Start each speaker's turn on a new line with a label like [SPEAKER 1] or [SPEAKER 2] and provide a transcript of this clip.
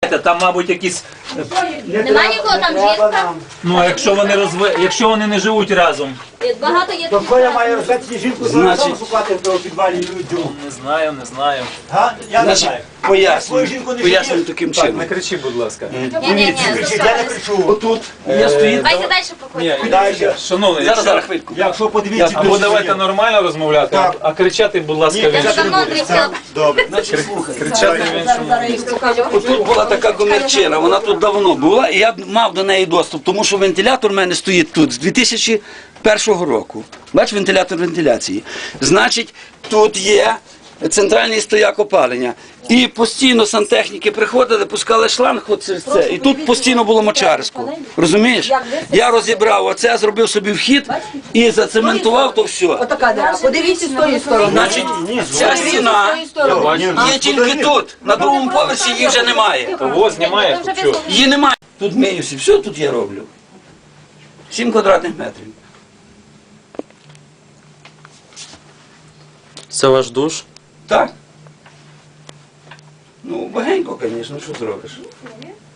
[SPEAKER 1] Там, мабуть, якісь...
[SPEAKER 2] Немає нікого там жінка?
[SPEAKER 1] Ну, а якщо вони не живуть разом?
[SPEAKER 2] Багато є.
[SPEAKER 3] То Коля має розвести жінку з разом шукати в підвалі людям.
[SPEAKER 1] Не знаю.
[SPEAKER 3] Я не знаю.
[SPEAKER 4] Пояснюю таким чином.
[SPEAKER 1] Не кричи, будь ласка.
[SPEAKER 2] Ні,
[SPEAKER 3] Я не кричу.
[SPEAKER 4] Отут я стоїть.
[SPEAKER 2] Давайте далі проходимо.
[SPEAKER 3] Далі.
[SPEAKER 1] Шановний,
[SPEAKER 4] Зараз хвильку.
[SPEAKER 3] Якщо подивіться...
[SPEAKER 1] або давайте нормально розмовляти, а кричати, будь ласка, в
[SPEAKER 2] Я вже
[SPEAKER 1] іншому.
[SPEAKER 2] давно Андрій хотіла.
[SPEAKER 3] Добре.
[SPEAKER 4] Значить, слухай.
[SPEAKER 1] Кричати в іншому.
[SPEAKER 4] Отут була така комірчина, вона тут давно була, і я мав до неї доступ, тому що вентилятор в мене стоїть тут з 2001 року. Бач, вентилятор вентиляції. Значить, тут є центральний стояк опалення. І постійно сантехніки приходили, пускали шланг от через це. І тут постійно було мочарисько. Розумієш? Я розібрав оце, зробив собі вхід і зацементував то все.
[SPEAKER 5] Отака дира. Подивіться з тої сторони.
[SPEAKER 4] Значить, ця стіна є тільки тут. На другому поверсі її вже немає.
[SPEAKER 1] Того знімає, тут що?
[SPEAKER 4] Її немає. Тут миюся, все тут я роблю. 7 квадратних метрів.
[SPEAKER 6] Це ваш душ?
[SPEAKER 4] Так. Ну, багенько, звісно, що зробиш.